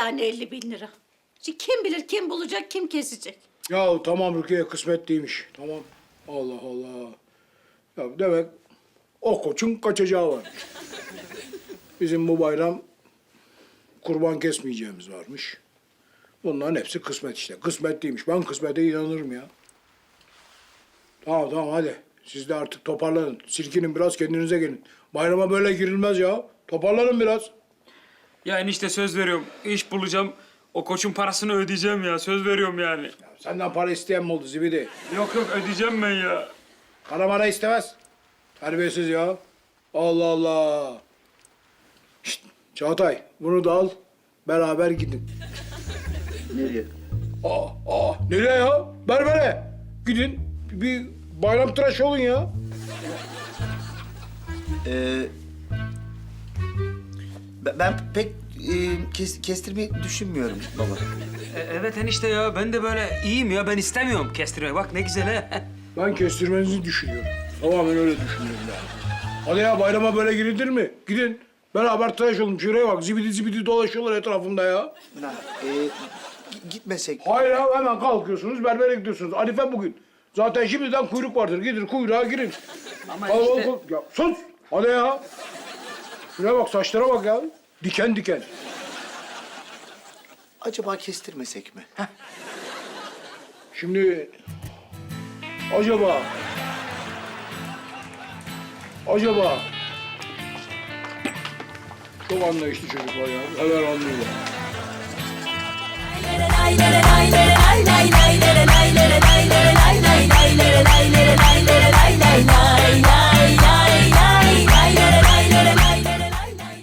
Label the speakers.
Speaker 1: yani 50.000 lira? Şimdi kim bilir kim bulacak, kim kesecek?
Speaker 2: Ya tamam Rukiye, kısmet değilmiş. Tamam. Allah Allah. Ya demek o koçun kaçacağı var. Bizim bu bayram kurban kesmeyeceğimiz varmış. Bunların hepsi kısmet işte. Kısmet değilmiş. Ben kısmete inanırım ya. Tamam tamam hadi. Siz de artık toparlanın. Silkinin biraz, kendinize gelin. Bayrama böyle girilmez ya. Toparlanın biraz.
Speaker 3: Ya enişte söz veriyorum. İş bulacağım. O koçun parasını ödeyeceğim ya. Söz veriyorum yani.
Speaker 2: Ya senden para isteyen mi oldu zibidi?
Speaker 3: Yok yok ödeyeceğim ben ya.
Speaker 2: Para mara istemez. Terbiyesiz ya. Allah Allah. Şişt, Çağatay, bunu da al. Beraber gidin.
Speaker 4: Nereye?
Speaker 2: Nereye ya? Berbere. Gidin. Bir bayram tıraşı olun ya.
Speaker 4: Ben pek kestirmeyi düşünmüyorum baba.
Speaker 3: Evet enişte ya. Ben de böyle iyiyim ya. Ben istemiyorum kestirmeyi. Bak ne güzel he.
Speaker 2: Ben kestirmenizi düşünüyorum. Tamamen öyle düşünüyorum yani. Hadi ya, bayrama böyle girilir mi? Gidin. Beraber tıraş olun. Şuraya bak. Zibidi zibidi dolaşıyorlar etrafımda ya.
Speaker 4: Gitmesek.
Speaker 2: Hayır ya, hemen kalkıyorsunuz, berbere gidiyorsunuz. Arife bugün. Zaten şimdiden kuyruk vardır. Gidin kuyruğa girin.
Speaker 3: Ama
Speaker 2: Al,
Speaker 3: işte...
Speaker 2: al. Ya sus! Hadi ya. Şuraya bak, saçlara bak ya. Diken diken.
Speaker 4: Acaba kestirmesek mi?
Speaker 2: Şimdi... Acaba... Çok anlayışlı çocuklar ya. Hemen anlıyorlar.
Speaker 5: Lay lay lay lay lay lay lay.